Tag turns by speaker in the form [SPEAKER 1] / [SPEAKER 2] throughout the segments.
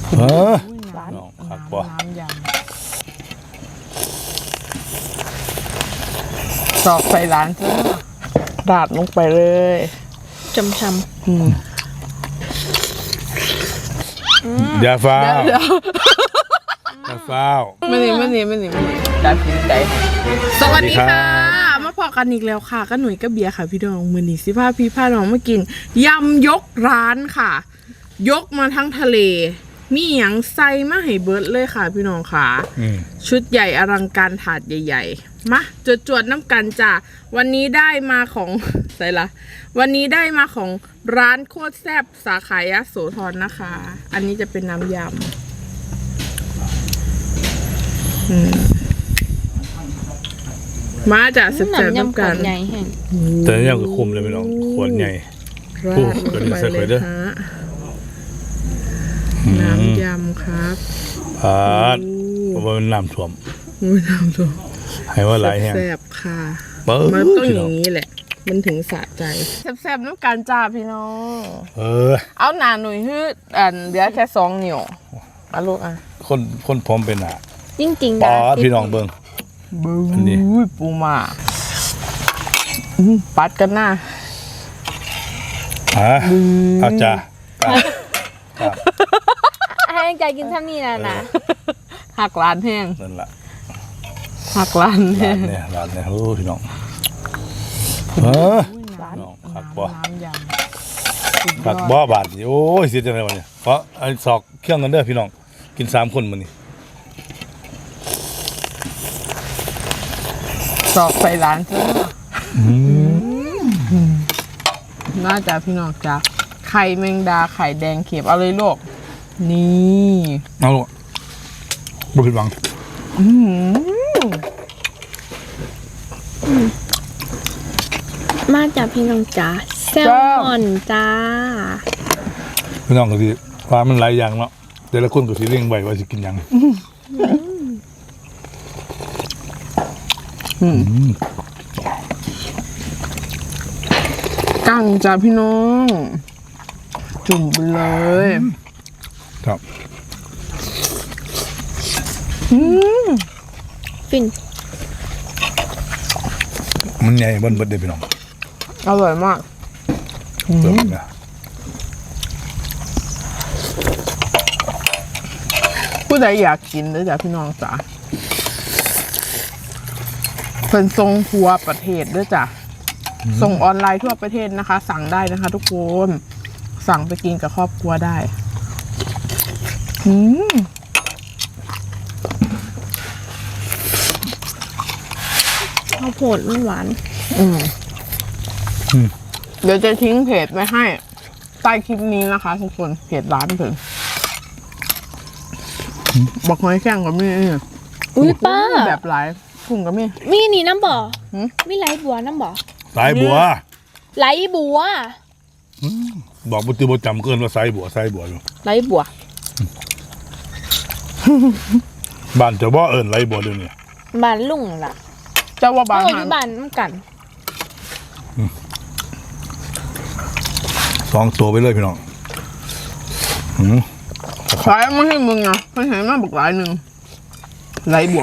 [SPEAKER 1] ร้าน
[SPEAKER 2] ครับบ่
[SPEAKER 1] น้ำยำตอกใส่ร้านจ้าดาดลงไปเลย
[SPEAKER 3] จำ
[SPEAKER 2] อย่าฟ้า
[SPEAKER 1] เดี๋ยว
[SPEAKER 2] อย่าฟ้า
[SPEAKER 1] ไม่นี่จัดสินใจสวัสดีค่ะมาพอกันอีกแล้วค่ะก็หนุ่ยก็เบียร์ค่ะพี่น้องมือนี้สิพาพี่พาน้องมากินยำยกร้านค่ะ ยกมาทั้งทะเลมีหยังใส่มาให้เบิร์ดเลยค่ะพี่น้องค่ะชุดใหญ่อลังการถาดใหญ่ๆมาจวดน้ำกันจ้ะวันนี้ได้มาของใส่ละวันนี้ได้มาของร้านโคตรแซ่บสาขายโสธรนะคะ อันนี้จะเป็นน้ำยำมาจากสุดแสบน้ำกัน
[SPEAKER 3] ใหญ่แห้ง
[SPEAKER 2] แต่นี่ยังคุมเลยพี่น้องขวดใหญ่
[SPEAKER 1] ราดลงไปเลยฮะน้ำยำครับ
[SPEAKER 2] พาดเพราะว่ามันน้ำท่วม
[SPEAKER 1] น้ำตัว
[SPEAKER 2] ให้ว่าหลายแห้ง
[SPEAKER 1] แซ่บค่ะ
[SPEAKER 2] มัน
[SPEAKER 1] ต้องอย่างนี้แหละ มันถึงสะใจแซ่บๆน้ำกันจ้าพี่น้อง เอาหนาหนุ่ยฮืดเหลือแค่2 นิ้วเอาลูกอ่ะ
[SPEAKER 2] คนพร้อมเป็นหนา
[SPEAKER 3] จริงๆ
[SPEAKER 2] ป
[SPEAKER 3] นะ
[SPEAKER 2] อดพี่น้องเบิ่ง อันนี้
[SPEAKER 1] ปูมาปัดกันหน้า
[SPEAKER 2] อาจารย์
[SPEAKER 3] ให้ใจกินท่านี้นะ
[SPEAKER 1] หักร้านแห้ง
[SPEAKER 2] นั่นแหละ
[SPEAKER 1] หักร้านแห้
[SPEAKER 2] ร้าง นเนี่ยโอ้พี่น้องน้องขักบ่
[SPEAKER 1] น้ำย
[SPEAKER 2] ขักบ่บาทโอ้ยเสียจังเลยวันนี้เพราะไอ้สอกเครื่องกันเด้อพี่น้องกิน3 คนมื้อนี้
[SPEAKER 1] ำตอกใส่ร้านจ้าน่าจะพี่น้องจ้าไข่แมงดาไข่แดงเข็มเอาเลยลูกนี่
[SPEAKER 2] เอาลูกบ่ผิดหวัง
[SPEAKER 3] มาจากพี่น้องจ๋าแซลมอนจ้า
[SPEAKER 2] พี่น้องก็สิว่ามันหลายอย่างเนาะแต่ละคนก็สิเลี้ยงไว้ว่าสิกินหยัง
[SPEAKER 1] กั้งจ้าพี่น้องจุ่มไปเลย
[SPEAKER 2] ครับ
[SPEAKER 3] ฟิน
[SPEAKER 2] มันใหญ่เบิ่นเบิดเด้อพี่น้อง
[SPEAKER 1] อร่อยมาก
[SPEAKER 2] เติมนะ
[SPEAKER 1] ผู้ใดอยากกินเลยจ้ะพี่น้องจ๋าเพิ่นส่งทั่วประเทศด้วยจ้ะส่งออนไลน์ทั่วประเทศนะคะ สั่งได้นะคะ ทุกคนสั่งไปกินกับครอบครัวได้
[SPEAKER 3] ข้าวโพดมันหวาน
[SPEAKER 1] เดี๋ยวจะทิ้งเพจไว้ให้ใต้คลิปนี้นะคะ ทุกคนเพจร้านเพิ่นบอกหอยแข้งกับมี่
[SPEAKER 3] อุ้ยป้า
[SPEAKER 1] แบบหลายกุ้งกับมี่
[SPEAKER 3] มีนี่น้ำบ่อมีไหลบัวน้ำบ่อ
[SPEAKER 2] สายบัว
[SPEAKER 3] ไหลบัว
[SPEAKER 2] บอกบ่ติบ่จำเกินว่าสายบัวอยู่
[SPEAKER 3] ไหลบัว
[SPEAKER 2] บ้านเจ้าบ่เอิ้นไรบัวเดี๋ยวนี้
[SPEAKER 3] บ้านลุงล่ะ
[SPEAKER 1] เจ้าว่าบาง
[SPEAKER 3] เอาอ
[SPEAKER 1] หัน
[SPEAKER 3] ยู่บ้านน้ำกัน
[SPEAKER 2] 2 ตัวไปเลยพี่น้อง
[SPEAKER 1] ขายมาให้มึงนะไม่เห็นมาบอกหลายหนึ่งไรบัว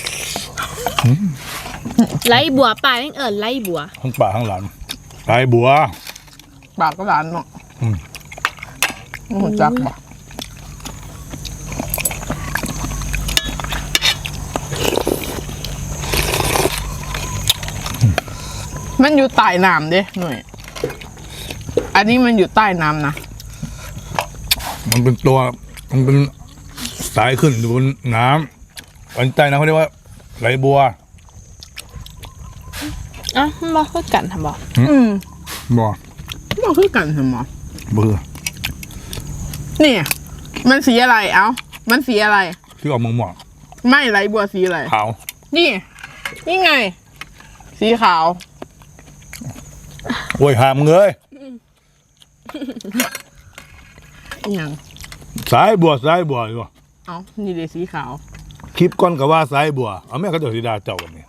[SPEAKER 3] ไหลบัวป้ายังไหลบัว
[SPEAKER 2] ทั้งป่าทั้งหลานสายบัว
[SPEAKER 1] ปากก็หลานเนาะโอ้โหจักบ่มันอยู่ใต้น้ำเด้หน่อยอันนี้มันอยู่ใต้น้ำนะ
[SPEAKER 2] มันเป็นตัวมันเป็นสายขึ้นอยู่บนน้ำอันใต้น้ำเขาเรียกว่าไรบัว
[SPEAKER 3] อ่ะมันบ่ค่อยกันทำบ่
[SPEAKER 2] บ่
[SPEAKER 1] มันคือกันเหรอ
[SPEAKER 2] เบื่อ
[SPEAKER 1] นี่มันสีอะไรเอ้ามันสีอะไร
[SPEAKER 2] ที่ออกเมืองหมอก
[SPEAKER 1] ไม่ไรบัวสีอะไร
[SPEAKER 2] ขาว
[SPEAKER 1] นี่ไง สีขาว
[SPEAKER 2] โอ้ยหามเงย
[SPEAKER 1] อย่าง
[SPEAKER 2] สายบัวอยู่
[SPEAKER 1] เอ้านี่เดสีขาว
[SPEAKER 2] คลิปก้อนกับว่าสายบัวเอาแม่เขาจะสีดาเจ้ากันนี่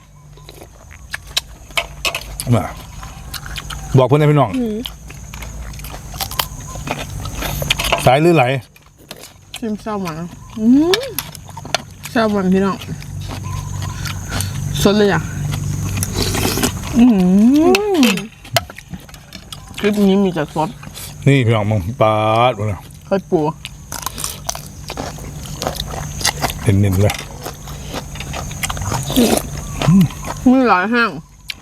[SPEAKER 2] มาบอกเพื่อนให้พี่น้องสายหรือไหล
[SPEAKER 1] ชิมแซลมอนแซลมอนพี่น้องสดเลยอ่ะคลิปนี้มีแต่สด
[SPEAKER 2] นี่พี่น้องมึงปาดมาแล้ว
[SPEAKER 1] ไข่ปู
[SPEAKER 2] เน้นๆเลย
[SPEAKER 1] มีหลายแห้ง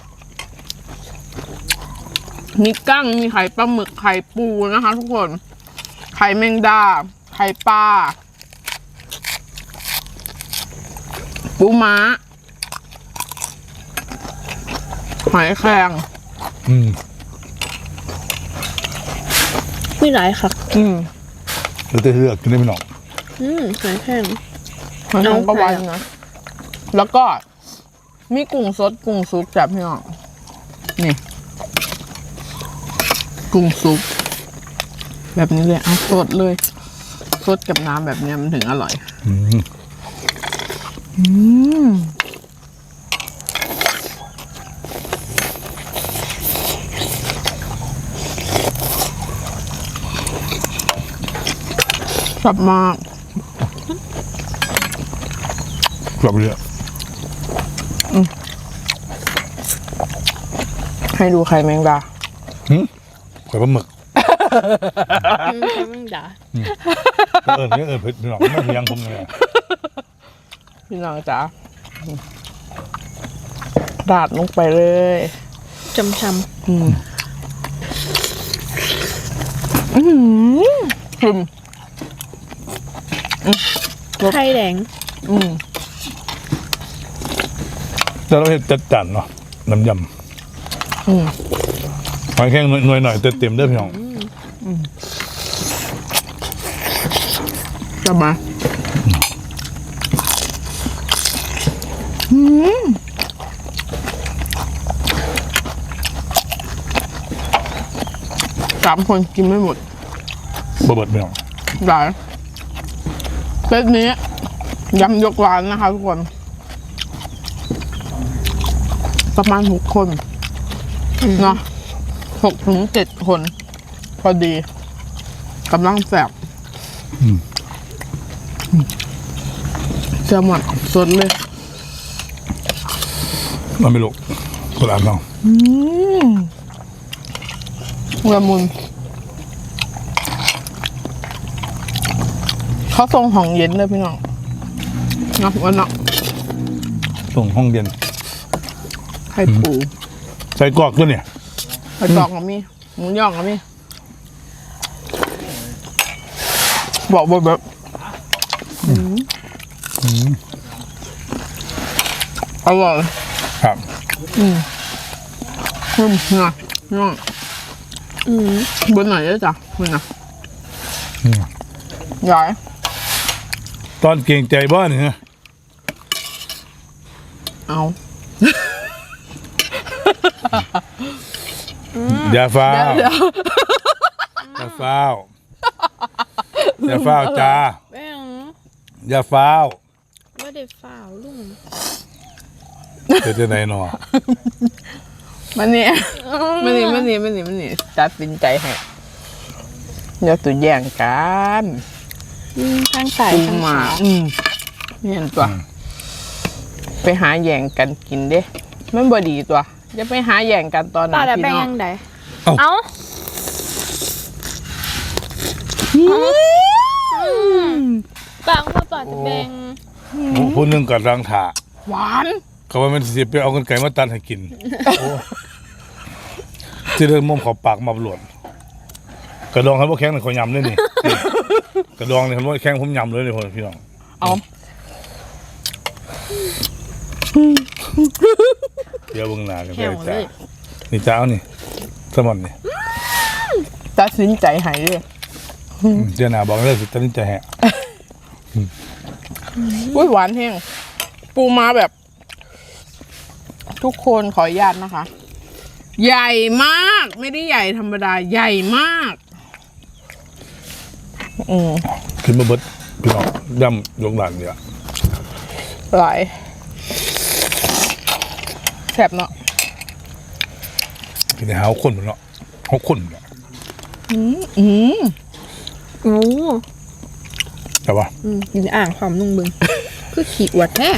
[SPEAKER 1] มีกั้งมีไข่ปลาหมึกไข่ปูนะคะทุกคนไข่แมงดาไข่ปลาปูม้าหอยแครง
[SPEAKER 3] มีหลายค่ะ
[SPEAKER 2] แล้วจะเลือกกินได้พี่น้อง
[SPEAKER 3] หอยแครง
[SPEAKER 1] หอยแครงก็วันนะแล้วก็มีกุ้งสดกุ้งซุปจับพี่น้องนี่กุ้งซุปแบบนี้เลยเอาสดเลยสดกับน้ำแบบนี้มันถึงอร่อยชอบมาก
[SPEAKER 2] กลับเลย
[SPEAKER 1] ให้ดูไข่แมงดา
[SPEAKER 2] ไข่ปลาหมึก
[SPEAKER 3] ใช่มั้งด่า
[SPEAKER 2] นี่เผ็ดพี่น้องไม่เพียงผมเลย
[SPEAKER 1] พี่น้องจ๋าราดลงไปเลย
[SPEAKER 3] จำ
[SPEAKER 1] ชิม
[SPEAKER 3] ไข่แดง
[SPEAKER 2] แต่เราเห็นจัดจันเนาะน้ำยำหอยแข้งหน่อยเต็มๆเด้อพี่น้อง
[SPEAKER 1] จะมา3 คนกินไม่หมด
[SPEAKER 2] บะเบิดพี่น้อง
[SPEAKER 1] ได้เซตนี้ยำยกร้านนะคะทุกคน ประมาณ6 คนเนาะ6 ถึง 7 คน พอดีกำลังแซ่บแซลมอนสดเลย
[SPEAKER 2] มันไม่ลุกกระดานน้อง
[SPEAKER 1] ละมุนเขาส่งห้องเย็นเลยพี่น้องเนาะวันเนาะ
[SPEAKER 2] ส่งห้องเย็น
[SPEAKER 1] ไข่ปู
[SPEAKER 2] ใส่กรอกด้วยเนี่ย
[SPEAKER 1] ไข่ตอกกับมีหมูย่องกับมีบอกแบบอร่อย
[SPEAKER 2] ครับ
[SPEAKER 1] นะน้องบนไหนได้จ้ะคุณนะใหญ่
[SPEAKER 2] ตอนเก่งใจบ้านเนี่ย
[SPEAKER 1] เอา
[SPEAKER 2] อย่าฟ้าว
[SPEAKER 1] เดี๋ยว
[SPEAKER 2] อย่าฟ้าวอย่าฟ้าวจ้า
[SPEAKER 3] แม่ง
[SPEAKER 2] อย่าฟ้าว
[SPEAKER 3] ไม่ได้ฝ่าวลุง
[SPEAKER 2] จะไหนหนอ
[SPEAKER 1] มันนี่ตัดสินใจให้อย่าตัวแย่งกัน
[SPEAKER 3] ข้างใส่
[SPEAKER 1] ปู
[SPEAKER 3] ข้าง
[SPEAKER 1] มา
[SPEAKER 3] ขาว
[SPEAKER 1] เห็นตัว ไปหาแย่งกันกินเด้มันบ่ดีตัวจะไปหาแย่งกันตอนไหน
[SPEAKER 3] ต่อแล้ว
[SPEAKER 1] พี่
[SPEAKER 3] แบ่ง
[SPEAKER 1] น้อ
[SPEAKER 3] ยัง งไง
[SPEAKER 2] เอ้า
[SPEAKER 3] บางพ่อต่อจะแบ่ง
[SPEAKER 2] ผู้หนึงกัดรังถา
[SPEAKER 1] หวาน
[SPEAKER 2] เขาว่ามันสิไปเอากันไก่มาตันให้กินที่เดินมุมเขาปากมาบลวดกระดองเขาบอกแข้งเขายำเลยนี่กระดองเนี่ยเขาบอกแข้งผมยำเลยเลยพี่น้อง
[SPEAKER 1] เอา
[SPEAKER 2] เดี๋ยวเบิ่งหน้ากันไป
[SPEAKER 3] แข็งเล
[SPEAKER 2] จ้าย นี่จ้านี่สมอนนี่
[SPEAKER 1] ตัดสินใจให้เลย
[SPEAKER 2] เดี๋ยวหน้าบอกเลยสิตัดสินใจแฮะ
[SPEAKER 1] อุ้ยหวานแห้งปูมาแบบ ทุกคนขออนุญาตนะคะ ใหญ่มากไม่ได้ใหญ่ธรรมดาใหญ่มาก
[SPEAKER 2] ขึ้นมาเบิดพี่น้องย่ำยกหลานเนี่ย
[SPEAKER 1] หลายแซ่บเนาะ
[SPEAKER 2] กินในหาคนเหมือนเนาะเขาคนเนาะ
[SPEAKER 3] โอ้
[SPEAKER 2] แต่ว่า
[SPEAKER 3] กินอ่างความนุ่งเบึงคือขี้อวดแท้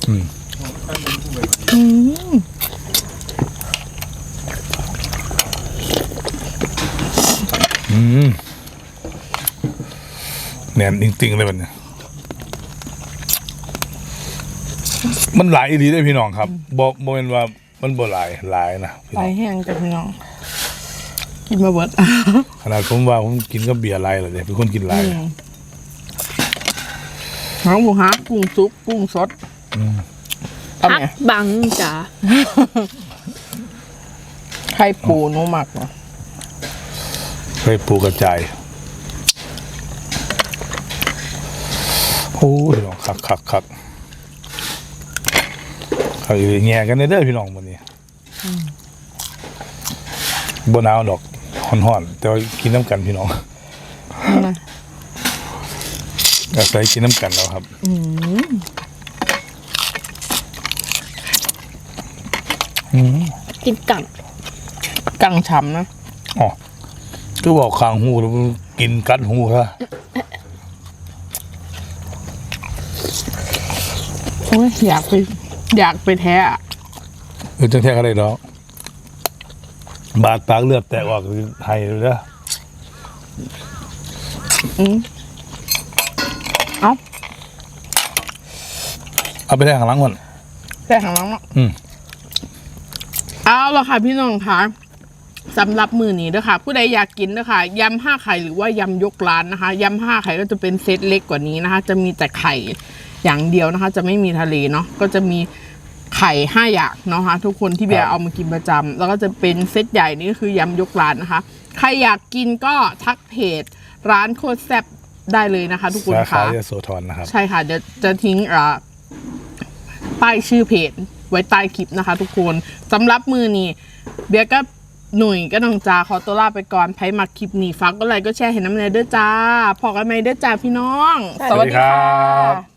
[SPEAKER 2] แหนมจริงๆเลยมันเนี่ยมันหลายอีหลีได้อพี่น้องครับบ่เป็นว่ามันบ่หลายนะพี่
[SPEAKER 1] ไหล
[SPEAKER 2] น้อง
[SPEAKER 1] แห้งจ้ะพี่น้องกินมาเบิด
[SPEAKER 2] ขนาดผมว่าผมกินก็เบียร์หลายเลยเป็นคนกินหลาย
[SPEAKER 1] หางหมูฮักกุ้งซุปกุ้งสดเอา
[SPEAKER 3] พัก
[SPEAKER 1] เนี่ย
[SPEAKER 3] บังจ้า
[SPEAKER 1] ไข่ปูหนูหมักเหรอ
[SPEAKER 2] ไปปูกระจายโอ้ยพี่น้องคักอีแง่กันเด้อพี่น้องวันนี้บ่หนาวดอกฮ้อนๆแต่ว่ากินน้ำกันพี่น้องอาศัยกินน้ำกันแล้วครับ
[SPEAKER 3] กินกัง
[SPEAKER 1] กังฉ่ำนะ
[SPEAKER 2] อ๋อก็บอกข้างหูแล้วมันกินกัดหูซะ
[SPEAKER 1] โอ้ยอยากไปแท้อะ
[SPEAKER 2] จังแท้ก็ได้ดอกบาดปากเลือดแตกออกคือไห้เลยนะ เอาไปแทงข้างหลังก่อน
[SPEAKER 1] แท้ข้างหลังเนาะ
[SPEAKER 2] อืม
[SPEAKER 1] เอาละค่ะพี่น้องคะสำหรับมือนี้นะคะผู้ใดอยากกินนะคะยำ5 ไข่หรือว่ายำยกร้านนะคะยำ5 ไข่ก็จะเป็นเซตเล็กกว่านี้นะคะ จะมีแต่ไข่อย่างเดียวนะคะ จะไม่มีทะเลเนาะก็จะมีไข่5 อย่างเนาะคะทุกคนที่เบียร์เอามากินประจำแล้วก็จะเป็นเซตใหญ่นี่ก็คือยำยกร้านนะคะใครอยากกินก็ทักเพจร้านโคตรแซ่บได้เลยนะคะ ทุกคน
[SPEAKER 2] สาขา
[SPEAKER 1] ค่ะ
[SPEAKER 2] ยโสธรนะครับ
[SPEAKER 1] ใช่ค่ะเดี๋ยวจะทิ้งป้ายชื่อเพจไว้ใต้คลิปนะคะ ทุกคนสำหรับมือนี้เบียร์ก็หนุ่ยก็น้องจาขอตัวลาไปก่อนไพ่มาคลิปนี้ฝากก็ไลค์ก็แชร์เห็นน้ำเนยเด้อจ้าพอกันไหมเด้อจ้าพี่น้อง
[SPEAKER 2] สวัสดีครับ